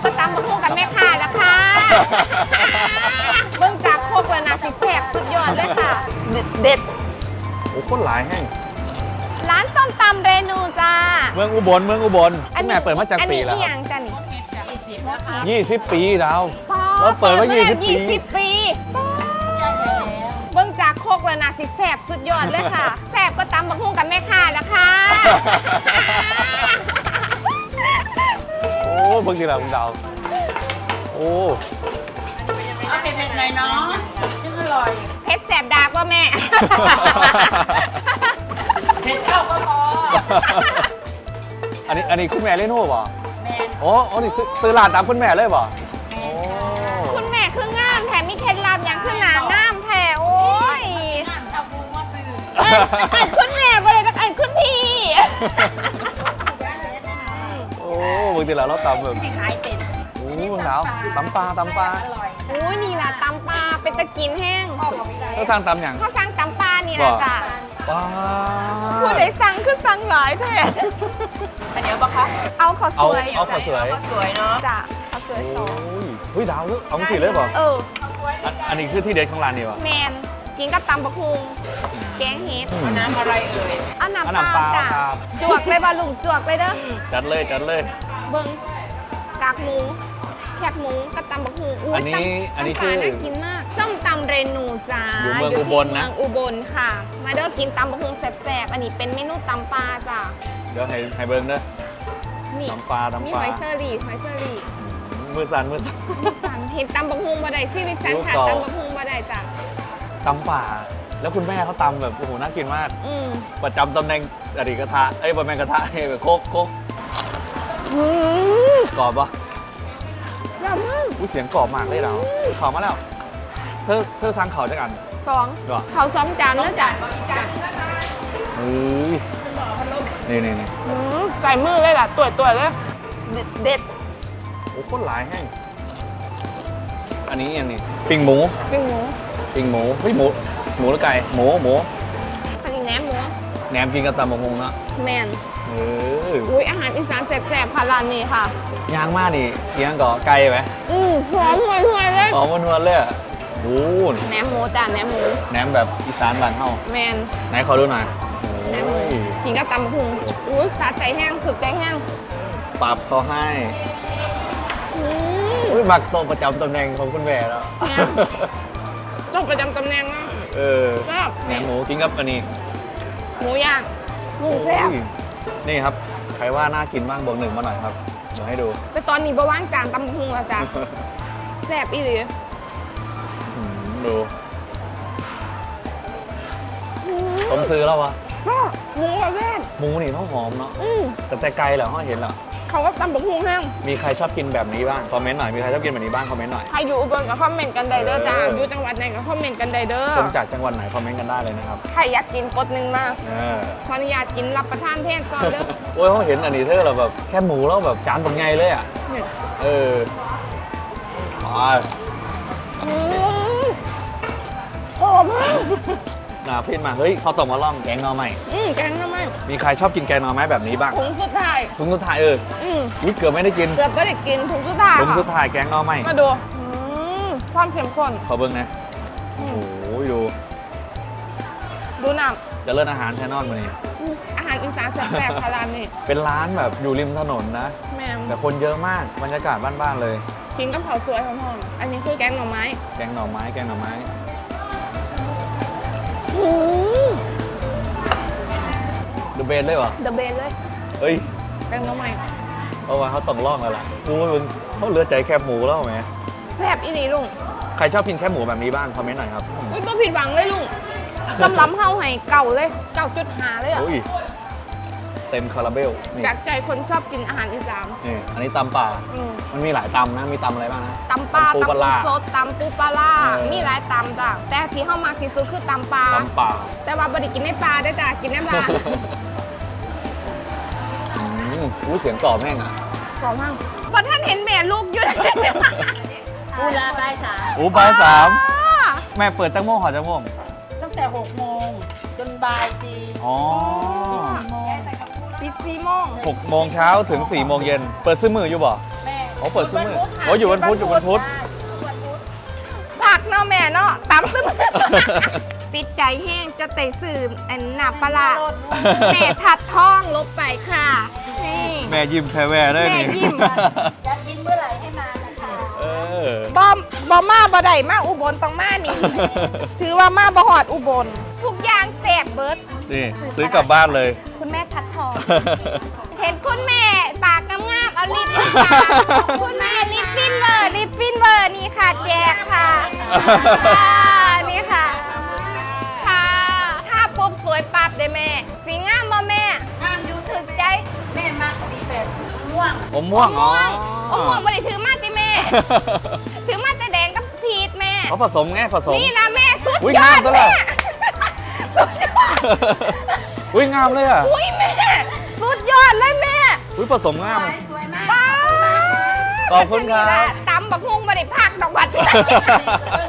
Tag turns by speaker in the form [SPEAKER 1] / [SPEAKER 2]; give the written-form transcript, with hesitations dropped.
[SPEAKER 1] ก็ตำบักหุ่งกับแม่ค้าแล้วค่ะเบิ่งจากโคกแล้วนะสิแซ่บสุดยอดเลยค่ะ เด็ด
[SPEAKER 2] โอ้คนหลายแห้ง
[SPEAKER 1] ร้านส้มตำเรนูจ้า
[SPEAKER 2] เมืองอุบลคุณแม่เปิดมาจากปีแล้ว
[SPEAKER 1] อันนี้อย่างจ้ะนี่
[SPEAKER 2] 20 ปีแล้ว เราเปิดมา20 ปี
[SPEAKER 1] 20 ปีเบิ่งจากโคกแล้วนะสิแซ่บสุดยอดเลยค่ะ แซ่บก็ตำบักหุ่งกับแม่ค้าแล้วค่ะ
[SPEAKER 2] โอ้บางทีเราดาวโอ้
[SPEAKER 3] เอาเผ็ดๆหน่อยเนาะซึ่งอร่อย
[SPEAKER 1] เพชรแซ่บดากว่าแม่
[SPEAKER 3] เผ็ดเท่าก็พอ
[SPEAKER 2] อันนี้คุณแม่เล่นหัวบ่
[SPEAKER 3] แมน
[SPEAKER 2] โอ้นี่ซื้อร้านตามคุณแม่เลยบ่โอ้
[SPEAKER 1] คุณแม่คืองามแถมมีเคล็ดลับอย่างคือหนางามแท้โอ้ย
[SPEAKER 3] น้ำชาบูมาซื้อ
[SPEAKER 1] อันคุณแม่บ่ได้ตักอันคุณพี่
[SPEAKER 2] โอ้บางทีเราตำแบบ
[SPEAKER 3] สิขายเป็น
[SPEAKER 2] โอ้บางดาวตำปลา
[SPEAKER 3] อร่อย
[SPEAKER 1] โอ้ยนี่ล่ะตำปลาเป็นตะกินแห้ง
[SPEAKER 2] แล้วทางตำอย่าง
[SPEAKER 1] เขาสั่งตำปลานี่ล่ะจ้ะ
[SPEAKER 2] ปลา
[SPEAKER 1] ผู้ใดสั่งคือสั่งหลายแท้
[SPEAKER 3] อันเดียวปะคะ
[SPEAKER 1] เอาข้าวสวย
[SPEAKER 2] เอาข้าวสวย
[SPEAKER 3] สวยเนาะ
[SPEAKER 1] จ้ะข้าวสวย
[SPEAKER 2] โอ้
[SPEAKER 1] สอง
[SPEAKER 2] ยเฮ้ยดาวเอาสิเลยบ่ อันนี้คือที่เด็ดของร้านนี่บ่
[SPEAKER 1] แมนกินกับตำบักฮุงแกงเห็ด
[SPEAKER 3] น้ำอะไรเอ่ย
[SPEAKER 1] เอาน้ำ
[SPEAKER 2] เอา
[SPEAKER 1] เป
[SPEAKER 2] น้ำเป
[SPEAKER 1] ล่า
[SPEAKER 2] ล่า
[SPEAKER 1] จ้ะ
[SPEAKER 2] ครับ
[SPEAKER 1] จวกเลยบ่ลุงจวกเลยเด้อ
[SPEAKER 2] จัดเลย
[SPEAKER 1] เบิ่งกากหมูแคบหมูกับตำบักหุ่ง
[SPEAKER 2] อันนี้
[SPEAKER 1] ตำ
[SPEAKER 2] คือ
[SPEAKER 1] ปลาน่ากินมากส้มตำเรนูจ้า
[SPEAKER 2] อยู่เมืองอุบลนะ
[SPEAKER 1] เมืองอุบลค่ะ มาเด้อกินตำบักหุ่งแซ่บๆอันนี้เป็นเมนูตำปลาจ้า
[SPEAKER 2] เดี๋ยวให้เบิ้งเด้อ
[SPEAKER 1] นี่
[SPEAKER 2] ตำปลา
[SPEAKER 1] มีหอยเซอรี่หอยเซอรี่
[SPEAKER 2] มือสั่น
[SPEAKER 1] สันเห็นตำบักหุ่งบ่ได้ชีวิตฉันขาด
[SPEAKER 2] รู้ต่อ
[SPEAKER 1] ตำบักหุ่งบ่ได้จ้า
[SPEAKER 2] ตำป่า แล้วคุณแม่เขาตำแบบโอ้โหน่ากินมาก
[SPEAKER 1] อืม
[SPEAKER 2] ประจำตำแหน่งอดีตกระทะบะแมงกระทะแบบโคก
[SPEAKER 1] อืม
[SPEAKER 2] กรอบปะ
[SPEAKER 1] ยอดมาก
[SPEAKER 2] อุ้ยเสียงกรอบมากเลยเราขอมาแล้ว เธอสั่งเขาจะกัน
[SPEAKER 1] สอง
[SPEAKER 2] เหรอ
[SPEAKER 1] เขาซ้อมจานเด้อจ้ะ
[SPEAKER 2] เฮ้ยนี่
[SPEAKER 1] อืมใส่มือเลยล่ะตัวเลยเด็ด
[SPEAKER 2] โอ้คนหลายแห้งอันนี้ปิ้งหมู
[SPEAKER 1] ปิ้งหมู
[SPEAKER 2] เฮ้ยหมูหรือไก่หมู
[SPEAKER 1] อันนี้แหนมหมู
[SPEAKER 2] แหนมกินกับตำบักหุ่งเนาะ
[SPEAKER 1] แมน
[SPEAKER 2] เออ
[SPEAKER 1] อุ้ยอาหารอีสานแซ่บๆค่ะร้านนี้ค่ะ
[SPEAKER 2] ย่างมากนี่เคียงก่อไก่ไหม
[SPEAKER 1] หอมห่วยๆเลย
[SPEAKER 2] หอมนวลๆเลยอะโอ้โห
[SPEAKER 1] แหนมหมูจ้ะแหนมหมู
[SPEAKER 2] แหนมแบบอีสานบ้านเฮา
[SPEAKER 1] แมน
[SPEAKER 2] ไหนขอดูหน่อย
[SPEAKER 1] แหนมหมู
[SPEAKER 2] โอ้ย
[SPEAKER 1] กินกับตำบักหุงอุ้ยสาใจแห้งสุดใจแห้ง
[SPEAKER 2] ปรับเขาให้
[SPEAKER 1] อืม
[SPEAKER 2] อุ้ยมักโตะประจำตำแหน่งของคุณแม่แล้ว
[SPEAKER 1] ต้องประจำตำแหน่งนะ
[SPEAKER 2] เออ
[SPEAKER 1] แซ่บ
[SPEAKER 2] แหนมหมูกินกับอันนี้
[SPEAKER 1] หมูย่างหมูแซ่บ
[SPEAKER 2] โอ้ยนี่ครับ ใครว่าน่ากินบ้างบอกหนึ่งมาหน่อยครับ เดี๋ยวให้ดู
[SPEAKER 1] แต่ตอนนี้บะว่างจานตำบักหุงแล้วจ้ะแซ่บอีหลี
[SPEAKER 2] ดู
[SPEAKER 1] อืม
[SPEAKER 2] ผมซื้อแล้ววะ
[SPEAKER 1] หมูก็แซ่บ
[SPEAKER 2] หมูนี่ต้องหอมเนาะ
[SPEAKER 1] อืม
[SPEAKER 2] แต่ไกลเหรอเขาเห็นเหรอ
[SPEAKER 1] เขาก็ตำบักหุงแห้ง
[SPEAKER 2] มีใครชอบกินแบบนี้บ้าง คอมเมนต์หน่อย มีใครชอบกินแบบนี้บ้าง คอมเมนต์หน่อย
[SPEAKER 1] ใครอยู่อุบลก็คอมเมนต์กันได้เด้อจ้า
[SPEAKER 2] เออ
[SPEAKER 1] อ
[SPEAKER 2] อ
[SPEAKER 1] ยู่จังหวัดไหนก็คอมเมนต์กันได้เด้อ
[SPEAKER 2] คนจากจังหวัดไหนคอมเมนต์กันได้เลยนะครับ
[SPEAKER 1] ใครอยากกินกดหนึ่งมา
[SPEAKER 2] เออ
[SPEAKER 1] ขออนุญาตกินรับประทานเทศก่อนเด้อ
[SPEAKER 2] โอ้ยเขาเห็นอันนี้เธอเราแบบแค่หมูแล้วแบบจานเป็นไงเลยอ่ะ
[SPEAKER 1] นี่
[SPEAKER 2] เอออ๋อ
[SPEAKER 1] อืมหอมมาก
[SPEAKER 2] น่าพินมา เฮ้ยเขาวต้มมาล่องแกงหน่อไม้
[SPEAKER 1] แกงทำไม
[SPEAKER 2] มีใครชอบกินแกงหน่อไม้แบบนี้บ้าง
[SPEAKER 1] ถุงสุดท้าย
[SPEAKER 2] ถุงสุดท้าย
[SPEAKER 1] อืม
[SPEAKER 2] อุ๊ยเกือบไม่ได้กิน
[SPEAKER 1] เกือบไม่ได้กินถุงสุดท้าย
[SPEAKER 2] ถุง
[SPEAKER 1] ค่ะ
[SPEAKER 2] สุดท้ายแกงหน่อไม้
[SPEAKER 1] มาดูความเข้มข้น
[SPEAKER 2] ขอเบิ้งนะ
[SPEAKER 1] อื
[SPEAKER 2] โอ้
[SPEAKER 1] ม
[SPEAKER 2] โหดู
[SPEAKER 1] ดูน้
[SPEAKER 2] เจะเลิศอาหารแชนนอนมานี่
[SPEAKER 1] ำอาหารอีสานแซ่บๆค่ะร้านนี้
[SPEAKER 2] เป็นร้านแบบอยู่ริมถนนนะ
[SPEAKER 1] แม่ม
[SPEAKER 2] แต่คนเยอะมาก บรรยากาศบ้านๆเลย
[SPEAKER 1] กินกับข้าวสวยหอมๆอันนี้คือแกงหน่อไม้
[SPEAKER 2] แกงหน่อไม้ แกงหน่อไม้
[SPEAKER 1] อืม
[SPEAKER 2] ดูเบนเลยวะ
[SPEAKER 1] เดอะเบนเลย
[SPEAKER 2] เฮ้ย
[SPEAKER 1] แกงหน่อไม้
[SPEAKER 2] เพราะว่าเขาต้องล่องแล้วล่ะดูว่ามึงเขาเหลือใจแคบหมูแล้วไหม
[SPEAKER 1] แซ่บอีนี่ลุง
[SPEAKER 2] ใครชอบกินแคบหมูแบบนี้บ้าง คอมเมนต์หน่อยครับ
[SPEAKER 1] อุ้ยก็ผิดหวังเลยลุงสำหรับเฮาให้เก่าเลย9.5เลยอ่ะ
[SPEAKER 2] โอ้ย เต็มคาราเบล นี่
[SPEAKER 1] จากใจคนชอบกินอาหารอีสาน
[SPEAKER 2] นี่อันนี้ตำป่า
[SPEAKER 1] อืม
[SPEAKER 2] มันมีหลายตำนะ มีตำอะไรบ้างนะ
[SPEAKER 1] ตำปลา
[SPEAKER 2] ตำปู
[SPEAKER 1] ตำ
[SPEAKER 2] ปลา
[SPEAKER 1] ปู
[SPEAKER 2] ร้า
[SPEAKER 1] สดตำปูปลาล่า
[SPEAKER 2] เออ
[SPEAKER 1] มีหลายตำจ้ะแต่ที่เข้ามากที่สุดคือตำปลา
[SPEAKER 2] ตำป่า
[SPEAKER 1] แต่ว่าบริกินในปลาได้จ้ะกินในปลา
[SPEAKER 2] อู้เสียงกรอบแม่งอ่ะ
[SPEAKER 1] กรอบมากพอท่านเห็นแม่ลูกอยู่
[SPEAKER 3] ปูลาใบายสาม
[SPEAKER 2] อู้บ่ายสามแม่เปิดจังโมงหอจังโมง
[SPEAKER 3] ตั้งแต่6 โมงจนบ่าย 4
[SPEAKER 2] อ๋อ
[SPEAKER 1] ปิด4 โมง
[SPEAKER 2] 6 โมงเช้าถึง 4 โมงเย็น เปิดซื้อมืออยู่บ่
[SPEAKER 3] แม่
[SPEAKER 2] อ๋อเปิดทุกมื้ออ๋ออยู่วันพุธอยู่วันพุธ
[SPEAKER 1] ผักเนาะแม่เนาะตำซึ่ง ติดใจแห้งจะเตะสื่ออันหนับปลาร้าแม่ทัดท้องลบไปค่ะนี่
[SPEAKER 2] แม่ยิ้มแพ้แวได้
[SPEAKER 1] แม่
[SPEAKER 2] นี่
[SPEAKER 1] ยิ้ม
[SPEAKER 3] จะกินเมื่อไหร่ให้มานะคะ
[SPEAKER 2] เออ
[SPEAKER 1] บอมาบ่ได้มาอุบลต้องมานี่ ถือว่ามาบ่หอดอุบล ทุกอย่างแสบเบิด
[SPEAKER 2] นี่ซื้อกลับบ้านเลย
[SPEAKER 1] คุณแม่ทัดทอง เห็นคุณแม่ปากงามๆเอาลิปมาฝากคุณแม่ลิปฟินเวอร์นี่ค่ะแจกค่ะนี่ค่ะค่ะถ้าปุ๊บสวยปั๊บได้แม่ สีงามบ่แม่
[SPEAKER 3] ห้ามยู
[SPEAKER 1] ถึกใจ
[SPEAKER 3] แม่มักสีแบบม่วง
[SPEAKER 2] ผมม่วง
[SPEAKER 1] ม่วงโอ้ม่วงบ่ได้ถือมาติแม่ ถือมาแต่แดงกับพีชแม่
[SPEAKER 2] เขาผสมไงผสม
[SPEAKER 1] นี่นะแม่สุด
[SPEAKER 2] อุ๊ย
[SPEAKER 1] ยอด
[SPEAKER 2] งามจังเล
[SPEAKER 1] แม่
[SPEAKER 2] ย
[SPEAKER 1] สุดยอด
[SPEAKER 2] อุ้ยงามเลยอ่ะ
[SPEAKER 1] อุ้ยแม่สุดยอดเลยแม่
[SPEAKER 2] อุ้ยผสมงาม
[SPEAKER 3] สวยมาก
[SPEAKER 1] ป้า
[SPEAKER 2] ขอบคุณครับ
[SPEAKER 1] ตำบักฮุงบ่ได้พักดอกบัด
[SPEAKER 3] เออ